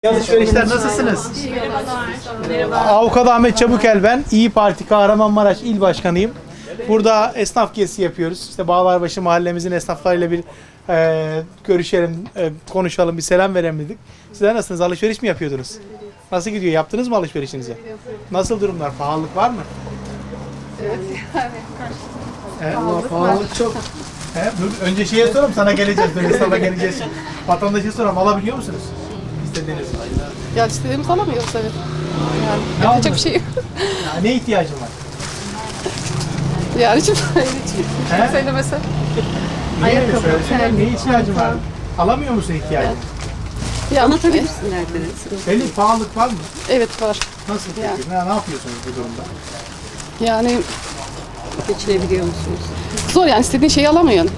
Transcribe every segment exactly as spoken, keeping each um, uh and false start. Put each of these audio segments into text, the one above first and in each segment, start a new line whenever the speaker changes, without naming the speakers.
Alışverişler nasılsınız?
Merhaba.
Avukat Ahmet Çabukel ben. İyi Parti Kahramanmaraş İl Başkanıyım. Burada esnaf gezisi yapıyoruz. İşte Bağlarbaşı mahallemizin esnaflarıyla bir e, görüşelim, e, konuşalım, bir selam verelim dedik. Sizler nasılsınız? Alışveriş mi yapıyordunuz? Nasıl gidiyor? Yaptınız mı alışverişinizi? Nasıl durumlar? Pahalılık var mı?
Evet yani.
He?
Pahalılık
Pahalılık çok. He? Dur, önce şeye soralım, sana geleceğiz. Böyle esnafa geleceğiz. Vatandaşa soralım, alabiliyor musunuz? İstediğiniz.
Ya istediğimiz alamıyoruz evet. Yani
Ne
yapacak
aldın?
bir şey yok.
Ya, ne ihtiyacın var?
Yani hiç hiç
He?
söylemese.
Ayakkabı, ne ihtiyacın var? Alamıyor musun ihtiyacını?
Ya
Anlatabilirsin derdini.
Belli pahalılık var mı?
Evet var.
Nasıl peki? Ne, ne yapıyorsunuz bu durumda?
Yani
Geçinebiliyor musunuz?
zor yani istediğin şeyi alamıyorsun.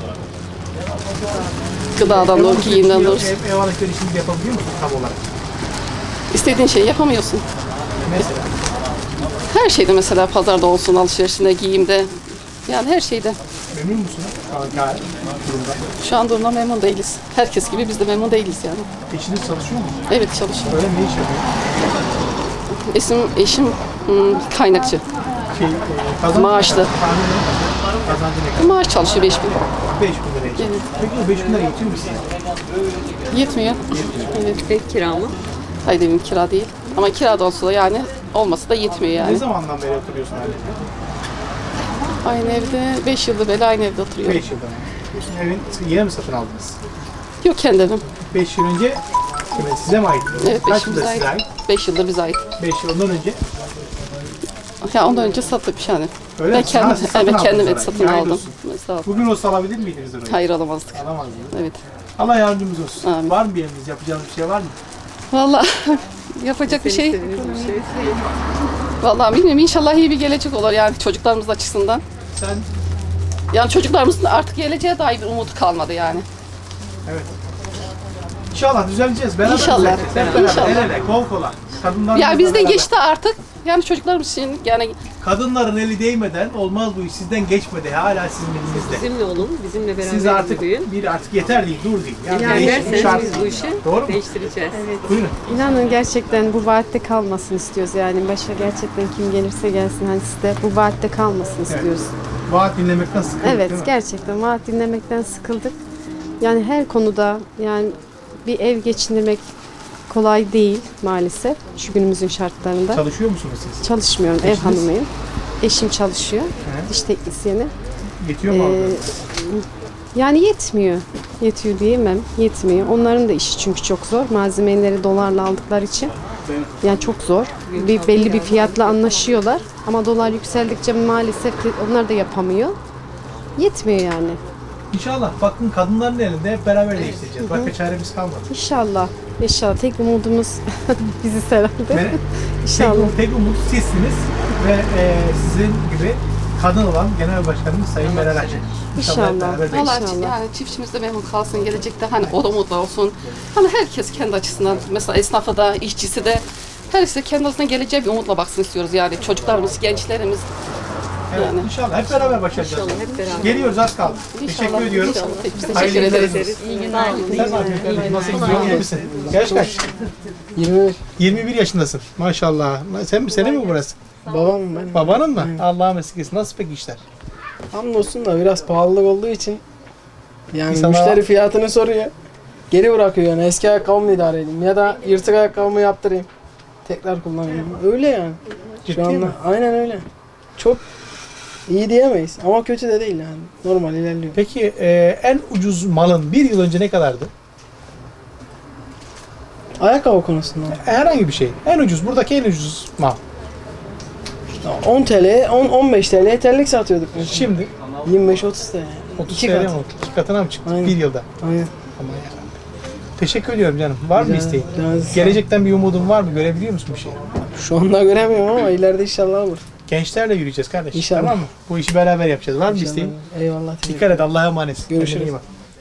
Gıdadan doğru, giyimden doğru.
Ev, ev alışverişini yapabiliyor musun tam olarak?
İstediğin şeyi yapamıyorsun.
Mesela.
Her şeyde mesela pazarda olsun, alışverişinde, giyimde. Yani her şeyde.
Memnun musunuz? Şu an gayet durumda.
Şu an durumda memnun değiliz. Herkes gibi biz de memnun değiliz yani.
Eşiniz çalışıyor mu?
Evet çalışıyor.
Öyle ne iş yapıyor?
Eşim, eşim hmm, kaynakçı.
Şey, e, kazanç,
Maaşlı.
Tahmin edin. Kazancı ne kadar?
Maaş çalışıyor beş bin.
beş bin lira için.
Evet.
Peki o beş bin lira yetiyor mu size?
Yetmiyor. Evet.
Ev kira mı?
Hayır evim kira değil. Ama kira da olsa da yani olması da yetmiyor
Ne
yani.
zamandan beri oturuyorsun anne?
Aynı evde beş yıldır beri aynı evde oturuyorum.
beş yıldan. Evin yeni mi satın aldınız?
Yok kendi evim.
beş yıl önce kime, size mi ait?
Evet
Kaç
beş yıldır
yılda
ait.
size ait?
beş yıldır bize ait.
beş yıl ondan önce.
Ya ondan önce sattık yani.
Öyle
Ben
mi? Ha,
kendim,
siz satın
evet
aldınız
kendim et
orayı.
satın
Hayırlı
aldım.
olsun.
Sağ ol.
Bugün olsa alabilir miydiniz orayı?
Hayır alamazdık.
Alamazdınız.
Evet.
Allah yardımcımız olsun.
Amin.
Var mı bir emriniz? Yapacağınız bir şey var mı?
Vallahi yapacak bir şey.
İstediğiniz bir şey.
Vallahi bilmiyorum inşallah iyi bir gelecek olur yani çocuklarımız açısından.
Sen
Yani çocuklarımızın artık geleceğe dair bir umudu kalmadı yani.
evet. İnşallah düzeleceğiz. Beraber
İnşallah.
düzeleceğiz. Hep beraber.
İnşallah.
El ele, kol kola. Kadınlarımızla
Ya bizde
beraber.
geçti artık. Yani çocuklarımız için yani
Kadınların eli değmeden olmaz bu iş. Sizden geçmedi. Hala sizin elinizde.
Bizimle olun, bizimle beraber
Siz artık
yürüyün.
bir artık yeter değil, dur değil. Yani
Yani
değişim
derseniz
şart.
biz bu işi
Doğru mu?
değiştireceğiz.
Buyurun.
İnanın gerçekten bu vaatte kalmasın istiyoruz yani başa gerçekten kim gelirse gelsin hani sizde bu vaatte kalmasın istiyoruz.
Vaat dinlemekten sıkıldık
Evet,
değil mi?
gerçekten vaat dinlemekten sıkıldık. Yani her konuda yani bir ev geçindirmek kolay değil maalesef şu günümüzün şartlarında.
Çalışıyor musunuz siz?
Çalışmıyorum, ev
Eşiniz?
hanımıyım. Eşim çalışıyor,
He.
diş teknisyeni.
Yetiyor mu
Ee,
aldığınız?
Yani yetmiyor. Yetiyor diyemem. Yetmiyor. Onların da işi çünkü çok zor. Malzemeleri dolarla aldıkları için. Yani çok zor. Bir belli bir fiyatla anlaşıyorlar. Ama dolar yükseldikçe maalesef ki onlar da yapamıyor. Yetmiyor yani.
İnşallah bakın kadınların elinde hep beraber değiştireceğiz. Başka çaremiz kalmadı.
İnşallah. İnşallah. Tek umudumuz biziz herhalde.
Ve tek,
İnşallah.
um- tek umut sizsiniz ve e, sizin gibi kadın olan Genel Başkanımız Sayın Meral Akşener.
İnşallah.
hep beraber
vallahi
İnşallah.
yani çiftçimiz de memnun kalsın gelecekte hani o da mutlu olsun. Hani herkes kendi açısından mesela esnafı da işçisi de herkes kendi açısından geleceğe bir umutla baksın istiyoruz yani çocuklarımız, gençlerimiz.
Evet,
Yani.
İnşallah hep beraber başaracağız.
İnşallah hep beraber.
Geliyoruz az kaldı.
İnşallah,
Teşekkür ediyorum.
inşallah. Biz teşekkür
Hayırlı
ederiz.
günler olsun.
İyi günler.
Sen ne yapıyorsun? Nasıl gidiyor? İyi misin? Yaş kaç?
yirmi beş.
yirmi bir yaşındasın. Maşallah. Sen senin mi burası?
Babam ben.
Babanın mı? Allah'a mesut etsin. Nasıl peki işler?
Hamdolsun da biraz pahalılık olduğu için yani
İnsanlar-
müşteri fiyatını soruyor. Geri bırakıyor yani eski ayakkabımı idare edeyim ya da yırtık ayakkabımı yaptırayım. Tekrar kullanayım. Öyle yani.
Ciddi
Şu anda
mi?
aynen öyle. Çok iyi diyemeyiz ama kötü de değil yani. Normal ilerliyor.
Peki e, en ucuz malın bir yıl önce ne kadardı?
Ayakkabı konusunda
Herhangi bir şey. En ucuz. Buradaki en ucuz mal.
on TL, on on beş TL terlik satıyorduk mesela.
Şimdi
yirmi beş otuz TL.
otuz
İki
T L mi
kat.
oldu? İki katına mı çıktı?
Aynen.
Bir yılda.
Aynen.
Aman yarabbim. Teşekkür ediyorum canım. Var mı
Rica-
isteğin?
rica-
Gelecekten bir umudun var mı? Görebiliyor musun bir şey?
Şu anda göremiyorum ama ileride inşallah olur.
Gençlerle yürüyeceğiz kardeş.
İnşallah.
Tamam mı? Bu işi beraber yapacağız. Var mı
İnşallah.
isteğin?
Eyvallah. teşekkür
Dikkat et. Allah'a emanet.
Görüşürüz.
Kendine iyi bak.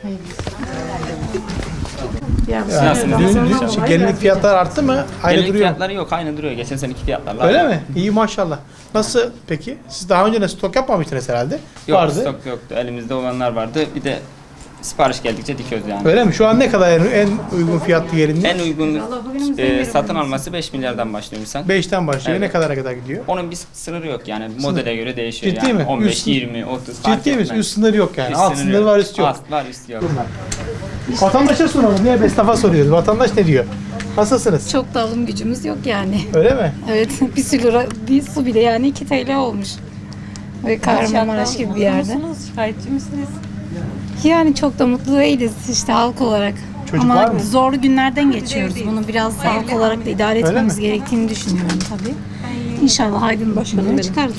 Nasıl?
Dün, dün, gelinlik fiyatlar arttı mı? Aynı
Gelinlik
duruyor.
fiyatları yok, aynı duruyor. Geçen seneki fiyatlarla.
Öyle
aynı.
mi? İyi maşallah. Nasıl peki? Siz daha önce de stok yapmamıştınız herhalde.
Yok,
Vardı.
stok yoktu. Elimizde olanlar vardı. Bir de Sipariş geldikçe dikiyoruz yani.
Öyle mi? Şu an ne kadar en, en uygun fiyatlı yerinde?
En uygun e, satın alması beş milyardan başlıyor misal.
beşten başlıyor.
Evet.
Ne kadara kadar gidiyor?
Onun bir sınırı yok yani. Modele göre değişiyor
Ciddi
yani.
mi?
on beş,
Üst-
yirmi, otuz fark
Ciddi misin?
etmez.
Üst sınır yok yani.
Üst
Alt
sınırı
sınır
yok.
var, üst yok.
Alt var, üst yok.
Vatandaşa soralım. Niye esnafa soruyoruz? Vatandaş ne diyor? Nasılsınız?
Çok da alım gücümüz yok yani.
Öyle mi?
Evet, bir su lira, bir su bile yani iki T L olmuş. Ve Kahramanmaraş gibi bir yerde.
Şikayetçi misiniz?
Yani çok da mutlu değiliz işte halk olarak.
Çocuk
Ama
var mı?
zorlu günlerden geçiyoruz. Bunu biraz halk olarak da idare
Öyle
etmemiz
mi?
gerektiğini düşünüyorum tabii. İnşallah aydınlık çıkarız.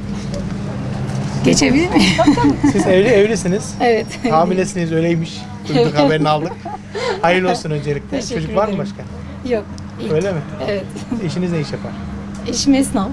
Geçebilir miyim?
Siz evli evlisiniz.
Evet.
Hamilesiniz öyleymiş. Duyduk haberini aldık. Hayırlı olsun öncelikle.
Teşekkür
Çocuk var mı
ederim.
başka?
Yok. ilk.
Öyle mi?
Evet.
Eşiniz ne iş yapar?
Eşim esnaf.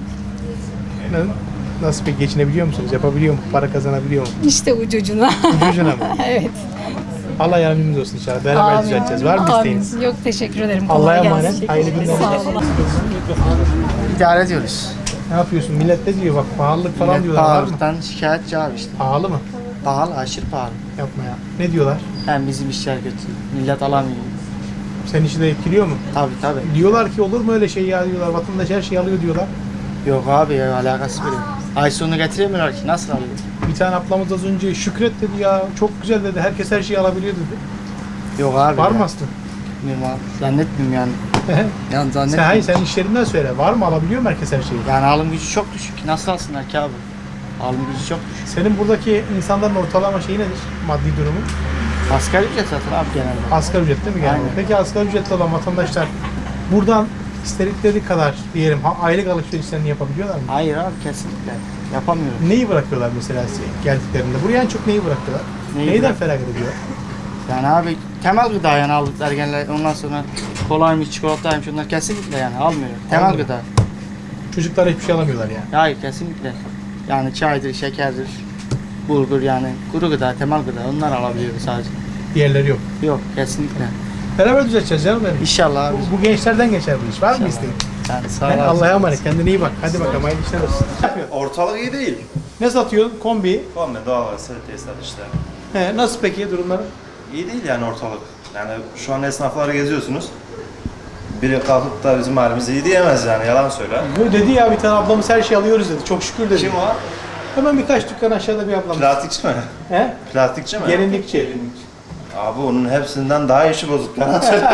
Ne- Nasıl peki geçinebiliyor musunuz? Yapabiliyor mu? Para kazanabiliyor mu?
İşte ucucuna.
Ucucuna mı?
Evet.
Allah yardımcımız olsun inşallah. Beraber
Amin.
düzelteceğiz. Var mı
Amin.
isteğiniz?
Yok teşekkür ederim.
Allah'a
Kolay
emanet.
gelsin.
Hayırlı günler.
Sağ olun.
İdare ediyoruz.
Ne yapıyorsun? Millet ne diyor? Bak pahalılık falan
Millet
diyorlar. Var mı?
pahalılıktan şikayetçi abi işte.
Pahalı mı?
Pahalı, aşırı pahalı.
Yapma ya. Ne diyorlar?
Hem bizim işler kötü. Millet alamıyor.
Senin işi de etkiliyor mu?
Tabii tabii.
Diyorlar ki olur mu öyle şey ya diyorlar. Vatandaş her şeyi alıyor diyorlar.
Yok abi ya, alakası bile yok. Ay sonu getiremiyorlar ki. Nasıl alıyor?
Bir tane ablamız az önce Şükret dedi ya. Çok güzel dedi. Herkes her şeyi alabiliyor dedi.
Yok abi.
Var
ya.
mı aslında?
Bilmiyorum abi. Zannetmiyorum yani. Yani
sen,
zannetmiyorum.
hayır sen işlerinden söyle. Var mı? Alabiliyor mu herkes her şeyi?
Yani alım gücü çok düşük. Nasıl alsınlar ki abi? Alım gücü çok düşük.
Senin buradaki insanların ortalama şeyi nedir? Maddi durumu?
Asgari ücret zaten abi genelde.
Asgari ücret değil mi genelde?
Aynen.
Peki asgari ücretli olan vatandaşlar buradan istedikleri kadar diyelim ha, aylık alışverişlerini yapabiliyorlar mı?
Hayır abi kesinlikle. Yapamıyorum.
Neyi bırakıyorlar mesela size geldiklerinde? Buraya en çok neyi bırakıyorlar?
Neyi
Neyden
bırak-
feragat ediyor?
Yani abi temel gıda yani aldıkları genelde. Ondan sonra kolaymış, çikolataymış onlar kesinlikle yani almıyorum. Temel
Almıyor.
gıda.
Çocuklar hiçbir şey alamıyorlar yani.
Hayır kesinlikle. Yani çaydır, şekerdir, bulgur yani kuru gıda, temel gıda onlar alabiliyoruz sadece.
Diğerleri yok.
Yok kesinlikle.
Beraber düzelteceğiz canım benim.
İnşallah abi.
Bu, bu gençlerden geçer bu iş. Var mı isteğin?
Yani sağ
He,
ol. abi.
Allah'a emanet. Kendine iyi bak. Hadi bakalım. Hayırlı işler olsun. Ne yapıyorsun?
Ortalık iyi değil.
Ne satıyorsun? Kombi.
Kombi, doğalgaz, tesisat işte.
He, nasıl peki durumları?
İyi değil yani ortalık. Yani şu an esnafları geziyorsunuz. Biri kalkıp da bizim halimiz iyi diyemez yani, yalan söyle.
Bu dedi ya bir tane ablamız her şeyi alıyoruz dedi. Çok şükür dedi.
Kim o?
Hemen birkaç dükkan aşağıda bir ablamız.
Plastikçi mi?
He?
Plastikçi mi?
Gelinlikçi.
Abi onun hepsinden daha işi bozuk, yalan söyle.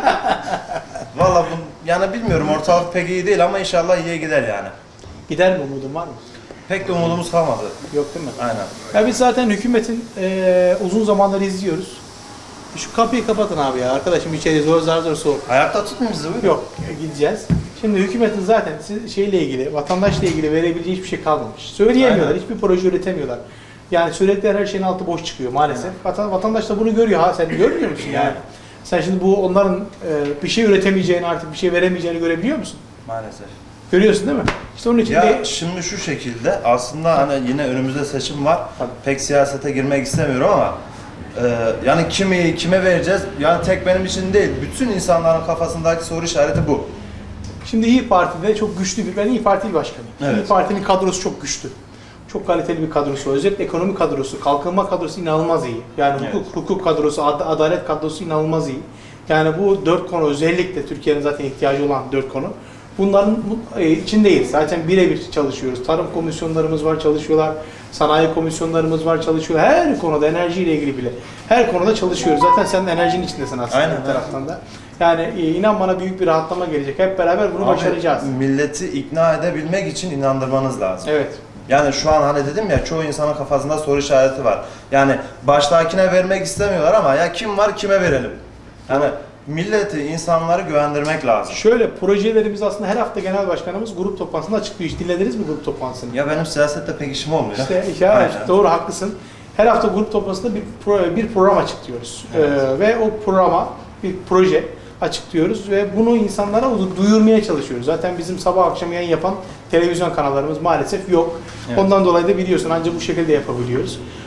Valla bu, yani bilmiyorum, ortalık pek iyi değil ama inşallah iyiye gider yani.
Gider mi umudun var mı?
Pek de umudumuz kalmadı.
Yok değil mi?
Aynen.
Ya biz zaten hükümetin eee, uzun zamandır izliyoruz. Şu kapıyı kapatın abi ya. Arkadaşım içeri zor zar zor soğuk.
Ayakta tutmuyor bizi buyurun.
Yok gideceğiz. Şimdi hükümetin zaten siz- şeyle ilgili, vatandaşla ilgili verebileceği hiçbir şey kalmamış. Söyleyemiyorlar,
Aynen.
hiçbir proje üretemiyorlar. Yani söyledikleri her şeyin altı boş çıkıyor maalesef. Vatan, vatandaş da bunu görüyor. Ha sen görmüyor musun yani? Sen şimdi bu onların e, bir şey üretemeyeceğini, artık bir şey veremeyeceğini görebiliyor musun?
Maalesef.
Görüyorsun değil mi? İşte onun için
Ya
de
şimdi şu şekilde aslında hani yine önümüzde seçim var. Pek siyasete girmek istemiyorum ama e, yani kimi kime vereceğiz? Yani tek benim için değil. Bütün insanların kafasındaki soru işareti bu.
şimdi İyi Parti'de çok güçlü bir, ben İyi Parti il başkanıyım.
Evet.
İyi Parti'nin kadrosu çok güçlü. Çok kaliteli bir kadrosu var. Özellikle ekonomi kadrosu, kalkınma kadrosu inanılmaz iyi. Yani
Evet.
hukuk, hukuk kadrosu, ad- adalet kadrosu inanılmaz iyi. Yani bu dört konu özellikle Türkiye'nin zaten ihtiyacı olan dört konu. Bunların bu- e, içindeyiz. Zaten birebir çalışıyoruz. Tarım komisyonlarımız var, çalışıyorlar. Sanayi komisyonlarımız var, çalışıyorlar. Her konuda enerjiyle ilgili bile. Her konuda çalışıyoruz. Zaten sen de enerjinin içindesin aslında
Aynen,
bir taraftan da. Yani e, inan bana büyük bir rahatlama gelecek. Hep beraber bunu
Abi,
başaracağız.
milleti ikna edebilmek için inandırmanız lazım.
Evet.
Yani şu an hani dedim ya, çoğu insanın kafasında soru işareti var. Yani baştakine vermek istemiyorlar ama ya kim var kime verelim? Yani milleti, insanları güvendirmek lazım.
Şöyle projelerimiz aslında her hafta genel başkanımız grup toplantısında açıklıyor. Hiç dinlediniz mi grup toplantısını?
Ya benim siyasette pek işim olmuyor.
İşte ya,
Aynen.
doğru haklısın. Her hafta grup toplantısında bir pro, bir program açıklıyoruz.
Evet.
Ee, ve o programa bir proje açıklıyoruz ve bunu insanlara duyurmaya çalışıyoruz. Zaten bizim sabah akşam yayın yapan televizyon kanallarımız maalesef yok.
Evet.
Ondan dolayı da biliyorsun ancak bu şekilde yapabiliyoruz.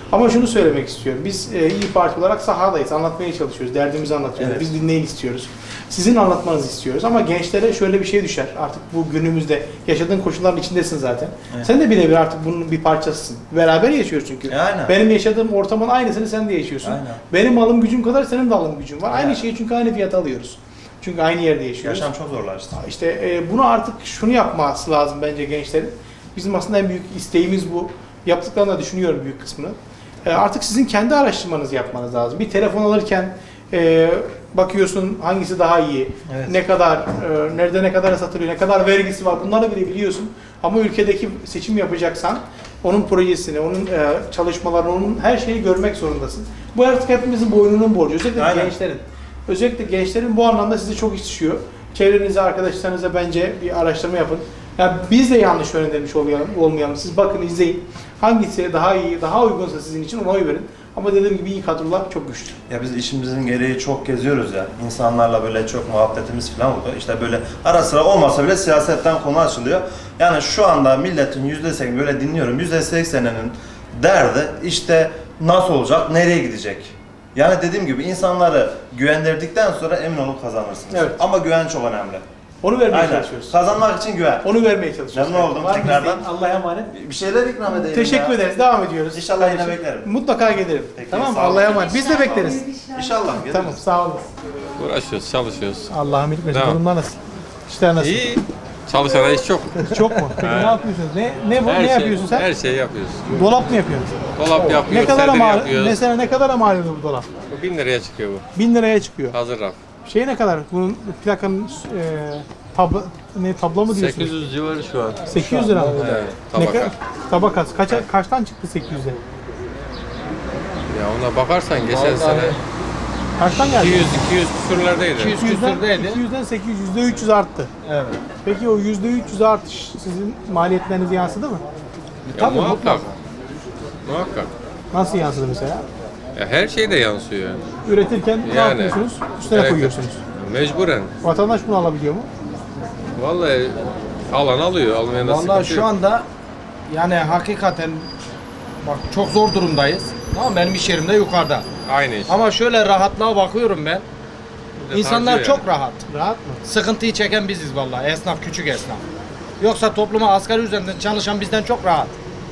Ama şunu söylemek istiyorum. Biz e, İYİ Parti olarak sahadayız. Anlatmaya çalışıyoruz. Derdimizi anlatıyoruz.
Evet.
Biz dinleyin istiyoruz. Sizin anlatmanızı istiyoruz. Ama gençlere şöyle bir şey düşer. Artık bu günümüzde yaşadığın koşulların içindesin zaten.
Evet.
Sen de birebir artık bunun bir parçasısın. Beraber yaşıyoruz çünkü.
E, aynen.
Benim yaşadığım ortamın aynısını sen de yaşıyorsun.
Aynen.
Benim alım gücüm kadar senin de alım gücün var.
Aynen.
Aynı şeyi çünkü aynı fiyata alıyoruz. Çünkü aynı yerde yaşıyoruz.
Yaşam çok zorlaştı.
İşte e, bunu artık şunu yapması lazım bence gençlerin. Bizim aslında en büyük isteğimiz bu. Yaptıklarını da düşünüyorum büyük kısmını. E, artık sizin kendi araştırmanızı yapmanız lazım. Bir telefon alırken e, bakıyorsun hangisi daha iyi,
Evet.
ne kadar, e, nerede ne kadar satılıyor, ne kadar vergisi var bunları bile biliyorsun. Ama ülkedeki seçim yapacaksan onun projesini, onun e, çalışmalarını, onun her şeyi görmek zorundasın. Bu artık hepimizin boynunun borcu. Özellikle
Aynen.
gençlerin. Özellikle gençlerin bu anlamda size çok iş düşüyor. Çevrenize, arkadaşlarınıza bence bir araştırma yapın. Yani biz de yanlış yönlendirmiş olmayalım, olmayalım. Siz bakın, izleyin. Hangisi daha iyi, daha uygunsa sizin için ona oy verin. Ama dediğim gibi iyi kadrolar çok güçlü.
Ya biz işimizin gereği çok geziyoruz ya. İnsanlarla böyle çok muhabbetimiz falan oldu. İşte böyle ara sıra olmasa bile siyasetten konu açılıyor. Yani şu anda milletin yüzde seksen böyle dinliyorum. yüzde sekseninin derdi işte nasıl olacak, nereye gidecek? Yani dediğim gibi insanları güvendirdikten sonra emin olun kazanırsınız.
Evet.
Ama güven çok önemli.
Onu vermeye
Aynen.
çalışıyoruz.
Kazanmak için güven.
Onu vermeye çalışıyoruz.
Memnun oldum
Var mı
tekrardan.
isteğin? Allah'a emanet.
Bir şeyler ikram edelim
Teşekkür
ya.
ederiz. Devam ediyoruz.
İnşallah yine
Kardeşim,
beklerim.
Mutlaka gelirim.
Peki,
Tamam mı?
sağ olun.
Allah'a emanet. Biz de bekleriz.
İnşallah. geliriz.
Tamam, sağ olun.
Uğraşıyoruz, çalışıyoruz.
Allah'ım iyilik versin.
Devam.
Durumlar nasıl? İşler nasıl?
İyi. Çalışana iş çok.
Çok mu? Peki ne yapıyorsunuz? Ne ne bu?
Her
ne
şey,
yapıyorsun sen?
Her şeyi yapıyoruz.
Dolap mı yapıyorsun?
Dolap
Ne
yapıyoruz,
kadar
sedir
mal?
yapıyoruz.
Mesela ne kadar mal oluyor bu dolap?
Bu bin liraya çıkıyor bu.
Bin liraya çıkıyor.
Hazır raf.
Şey ne kadar? Bunun plakanın e, tablo ne tablo mu diyorsunuz?
sekiz yüz civarı şu an.
sekiz yüz lira mı?
Evet,
Ne
tabaka.
kadar? Tabakası. Kaça, kaçtan çıktı sekiz yüze?
Ya ona bakarsan geçen sene
Kaçtan geldi?
iki yüz iki yüz küsürlerdeydi.
iki yüzden, iki yüzden sekiz yüz, yüzde üç yüz arttı.
Evet.
Peki o yüzde üç yüz artış sizin maliyetlerinize yansıdı mı?
Ya
Tabii,
muhakkak.
mutlaka.
Muhakkak.
Nasıl yansıdı mesela?
Ya her şey de yansıyor.
Üretirken ne
Yani.
yapıyorsunuz? Üstüne
Evet.
koyuyorsunuz.
Mecburen.
Vatandaş bunu alabiliyor mu?
Vallahi alan alıyor, almayan da
Vallahi
sıkıntı
şu
yok.
anda yani hakikaten bak çok zor durumdayız. Tamam, benim iş yerim de yukarıda.
Aynı iş.
Ama şöyle rahatlığa bakıyorum ben. İnsanlar
harcıyor
çok rahat.
Rahat mı?
Sıkıntıyı çeken biziz vallahi. Esnaf, küçük esnaf. Yoksa topluma asgari üzerinden çalışan bizden çok rahat.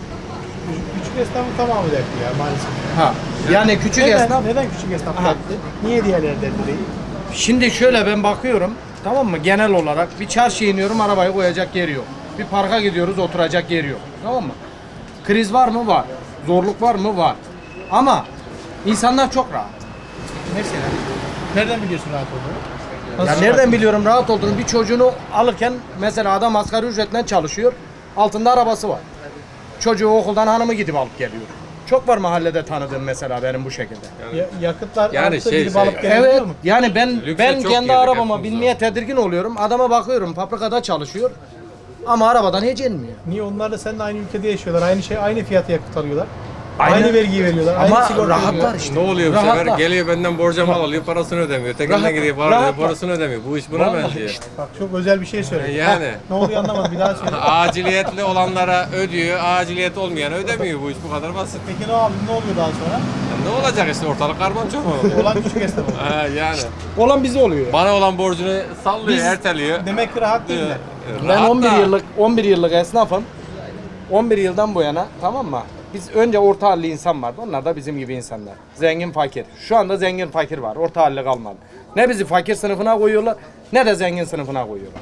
Küçük esnafın tamamı dertli ya maalesef.
Ha. Yani küçük
Neden,
esnaf.
neden küçük esnaf
Ha.
dertli? Niye diğerleri dertli değil?
Şimdi şöyle ben bakıyorum, tamam mı? Genel olarak bir çarşıya iniyorum, arabayı koyacak yeri yok. Bir parka gidiyoruz, oturacak yeri yok. Tamam mı? Kriz var mı? Var. Zorluk var mı? Var. Ama insanlar çok rahat.
Mesela. Nereden biliyorsun rahat olduğunu?
Ya
Nasıl
nereden
rahat?
biliyorum rahat olduğunu? Bir çocuğunu alırken mesela adam asgari ücretle çalışıyor. Altında arabası var. Çocuğu okuldan hanımı gidip alıp geliyor. Çok var mahallede tanıdığım mesela benim bu şekilde.
Ya, yakıtlar
Yani
arttı,
şey,
gidip
şey,
alıp gelebiliyor
Evet.
mu?
Yani ben
Lükse
ben
çok
kendi
girdik
arabama
hepimiz
binmeye tedirgin oluyorum. Adama bakıyorum fabrikada çalışıyor. Ama arabadan hiç inmiyor.
Niye? Onlar da seninle aynı ülkede yaşıyorlar. Aynı şey, aynı fiyatı yakıt alıyorlar.
Aynen.
Aynı vergiyi veriyorlar.
Ama
aynı sigorta
rahatlar
ödüyorlar.
işte.
Ne oluyor bu sefer?
Rahatlar.
Geliyor benden borca mal alıyor, parasını ödemiyor. Tekrardan
Rahat-
gidiyor, para ödüyor,
rahatlar.
parasını ödemiyor. Bu iş buna
Vallahi
benziyor.
işte.
Bak çok özel bir şey söyledin.
Yani.
Heh, ne oluyor anlamadım. Bir daha söyle.
Aciliyetli olanlara ödüyor, aciliyet olmayana ödemiyor. Bu iş bu kadar basit.
Peki ne oldu? Ne oluyor daha sonra?
Ya ne olacak işte ortalık karman çok oldu.
Olan küçük esnaf oldu.
Ha, yani.
Olan bize oluyor.
Bana olan borcunu sallıyor,
Biz-
erteliyor.
Demek ki rahat değiller.
Ee,
Ben
rahat
on bir
da-
yıllık on bir yıllık esnafım. on bir yıldan bu yana, tamam mı? Biz önce orta halli insan vardı. Onlar da bizim gibi insanlar. Zengin fakir. Şu anda zengin fakir var. Orta halli kalmadı. Ne bizi fakir sınıfına koyuyorlar ne de zengin sınıfına koyuyorlar.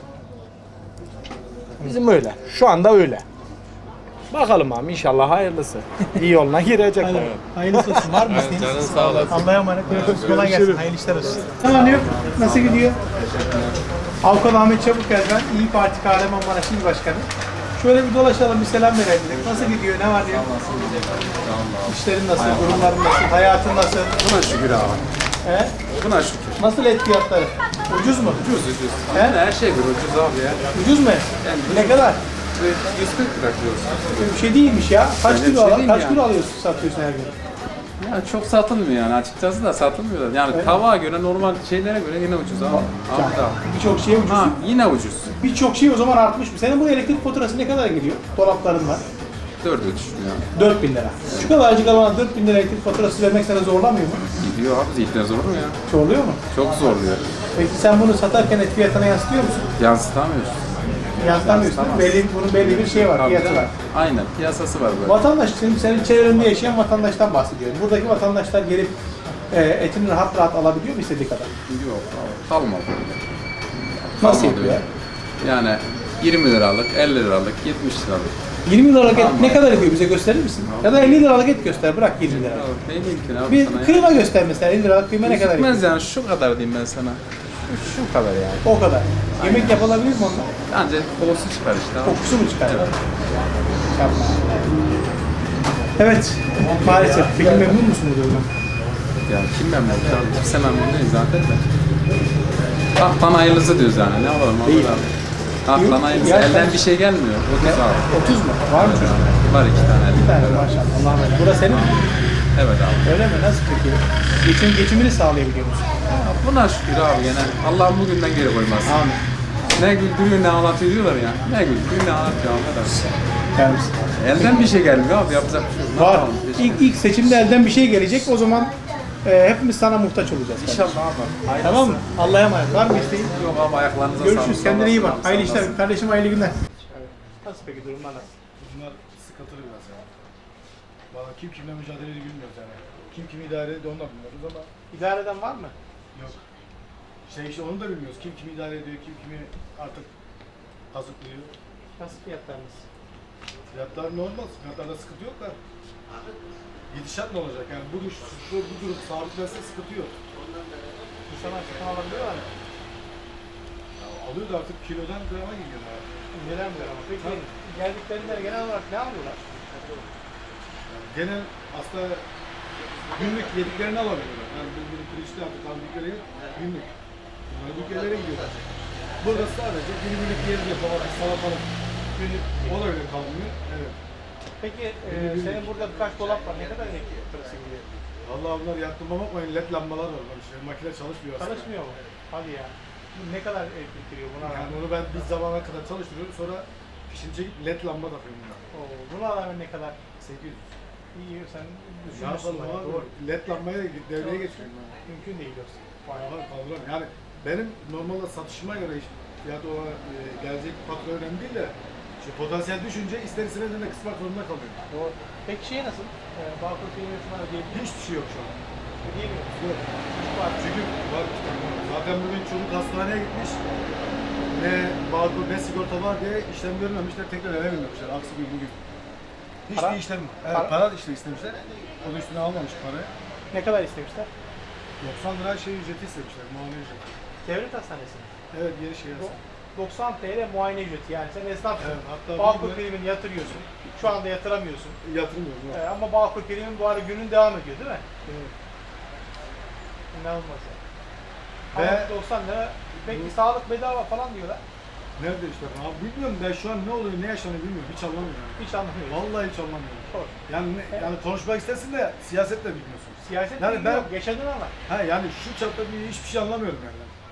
Bizim öyle. Şu anda öyle. Bakalım abi inşallah hayırlısı. İyi yoluna girecek.
Hadi.
bakalım.
Hayırlısı olsun. Var mı
Evet,
isteğiniz?
canın sağ olasın.
Allah'a emanet. Görüşürüz. Kolay gelsin. Hayırlı işler olsun. Tamam yok. Nasıl gidiyor? Avukat Ahmet Çabukkel ben. İYİ Parti Kahramanmaraş İl Başkanı. Şöyle bir dolaşalım, bir selam verelim dedik. Nasıl gidiyor? Ne var diye. İşlerin nasıl? Durumların nasıl? Hayatın nasıl?
Buna şükür abi.
He?
Buna şükür.
Nasıl et fiyatları? Ucuz mu?
Ucuz ucuz.
He?
Her şey bir ucuz abi ya.
Ucuz mu? Ne kadar?
yüz kırk lira diyoruz.
Bir şey değilmiş ya. Kaç
Öyle bir
kilo
şey
al-
değil
kaç
yani.
kilo alıyorsun, satıyorsun her gün?
Yani çok satılmıyor yani açıkçası da satılmıyor. Yani
Evet.
tavuğa göre normal şeylere göre yine ucuz abi. Abi da.
Birçok şey ucuz.
Ha yine ucuz.
Birçok şey o zaman artmış mı? Senin bu elektrik faturası ne kadar geliyor? Dolapların var.
dörde düşmüyor yani.
dört bin lira. Şu kadarcık alana dört bin lira elektrik faturası vermek sana zorlamıyor mu?
Gidiyor abi, zihnen zor mu ya?
Zorluyor mu?
Çok zorluyor.
Peki sen bunu satarken et fiyatına yansıtıyor musun?
Yansıtamıyorsun.
Yansıtamıyorsun. Belli, bunun belli bir şey var,
Tabii
fiyatı
canım.
var.
Aynen, piyasası var böyle.
Vatandaş, şimdi senin çevrende yaşayan vatandaştan bahsediyorum. Buradaki vatandaşlar gelip e, etini rahat rahat alabiliyor mu istediği kadar?
Yok abi, kalmadı.
Nasıl
Kalmadı
yapıyor?
Yani yirmi liralık, elli liralık, yetmiş liralık.
yirmi liralık et
Tamam.
ne kadar ediyor bize gösterir misin? Ya da elli liralık et göster, bırak yirmi lira.
Ya ne mümkün abi
Bir
sana ya?
kıyma göster mesela, elli liralık kıyma ne kadar ediyor?
Gitmez yani, şu kadar diyeyim ben sana. Şu, şu kadar yani.
O kadar. Yemek yapılabilir mi onunla?
Ancak kokusu çıkar işte abi.
Kokusu mu çıkar? Yapma. Evet, maalesef. Peki memnun musun bu durumdan?
Yani kim memnun abi? Kimse memnun değil zaten de. Haktan hayırlısı diyoruz yani, ne yapalım abi?
Değil.
Haktan hayırlısı,
Ya
elden
sen-
bir şey gelmiyor. otuz abi.
otuz mu? Var mı çocuk?
Var iki tane.
Bir tane maşallah. Allah'ım emanet. Burası senin mi?
Evet abi.
Öyle mi? Nasıl peki? Geçim, geçimini sağlayabiliyor musun?
Ya buna şükür abi gene. Allah'ım bugünden geri koymasın.
Amin.
Ne güldürüyor ne ağlatıyor diyorlar ya. Ne güldürüyor ne ağlatıyor arkadaş.
Yani
Elden bir şey gelmiyor abi, yapacak bir şey yok. Ne
var.
yapalım?
İlk, ilk seçimde elden bir şey gelecek. O zaman e, hepimiz sana muhtaç olacağız.
İnşallah abi. Hayırlısı.
Tamam mı? Allah'a emanet. Var mı isteğin?
Yok abi, ayaklarınıza
Görüşürüz.
sağlık.
Kendine iyi bak.
Sağ
Hayırlı
olasın.
işler. Kardeşim hayırlı günler. Nasıl peki durumlar nasıl?
Bunlar sıkıntılı biraz ya. Valla kim kimle mücadele ediyor bilmiyoruz yani. Kim kimi idare ediyor onu da bilmiyoruz ama
İdare eden var mı?
yok. Şey işte onu da bilmiyoruz. Kim kimi idare ediyor, kim kimi artık kazıklıyor.
Nasıl fiyatlarınız?
Fiyatlar normal, fiyatlarda sıkıntı yok da. Gidişat ne olacak yani bu, şu, şu, bu durum sabitlense sıkıntı yok.
İnsanlar satın alabiliyorlar mı?
Ya alıyor da artık kilodan grama gidiyor abi.
Neden böyle ama? Peki
Tabii.
geldiklerinde genel olarak ne alıyorlar?
Yani genel aslında günlük yediklerini alabiliyorlar. Yani bu bir pirinçli artık aldıkları yer günlük. Günlük yerlere gidiyorlar. Burada sadece günlük yeri yapamadık, salatalık. Günlük, o da öyle kalmıyor. Evet.
Peki e, senin burada birkaç dolap var. Ne kadar elektrik faturası gidiyor?
Vallahi bunlar yaktırma bakmayın, led lambalar var. Bak işte makine çalışmıyor aslında.
Çalışmıyor mu? Hadi ya. Ne kadar elektrik giriyor buna
Yani
rağmen?
onu ben bir zamana kadar çalıştırıyorum, sonra fişini çekip led lamba takıyorum buna.
Oo, buna rağmen ne kadar?
sekiz yüz.
İyi sen
Ne
düşünmüşsün
yapalım
bayağı,
abi?
doğru.
Led lambaya devreye geçiyorum ben.
Mümkün değil yoksa.
Bayağı kaldıramıyorum. Yani benim normalde satışıma göre iş, fiyat o e, gelecek fatura önemli değil de işte potansiyel düşünce ister istemez de kısmak zorunda kalıyorum.
Doğru. Peki şey nasıl? Ee, Bağkur filmi falan ödeyebiliyor
Hiçbir şey yok şu an.
Ödeyemiyor musun?
Yok.
Var.
Çünkü var iki tane. Zaten bugün çocuk hastaneye gitmiş. Ne bağkur ne sigorta var diye işlem görmemişler. Tekrar eve binmemişler. Aksi bir bugün. Hiçbir
Para?
işlem evet,
Para?
para işte istemişler. O da üstüne almamış parayı.
Ne kadar istemişler?
doksan lira şey ücreti istemişler. Muayene ücreti.
Devlet hastanesi mi?
Evet geri şey yazsın.
doksan TL muayene ücreti yani sen esnafsın.
Evet, hatta
Bağkur
bir-
primini yatırıyorsun. Şu anda yatıramıyorsun.
Yatırmıyorum. Yok.
Ee, ama Bağkur primin bu arada günün devam ediyor değil mi?
Evet.
İnanılmaz ya.
Ve-
Ama doksan lira. Peki sağlık bedava falan diyorlar.
Nerede işte? Abi bilmiyorum ben şu an ne oluyor ne yaşanıyor bilmiyorum. Hiç anlamıyorum.
Hiç anlamıyorum.
Vallahi hiç anlamıyorum.
Doğru.
Yani ne- yani konuşmak istersin de siyaset de bilmiyorsun.
Siyaset
Yani
bilgi
ben-
yok. Yaşadın ama.
Ha yani şu çapta bir hiçbir şey anlamıyorum yani.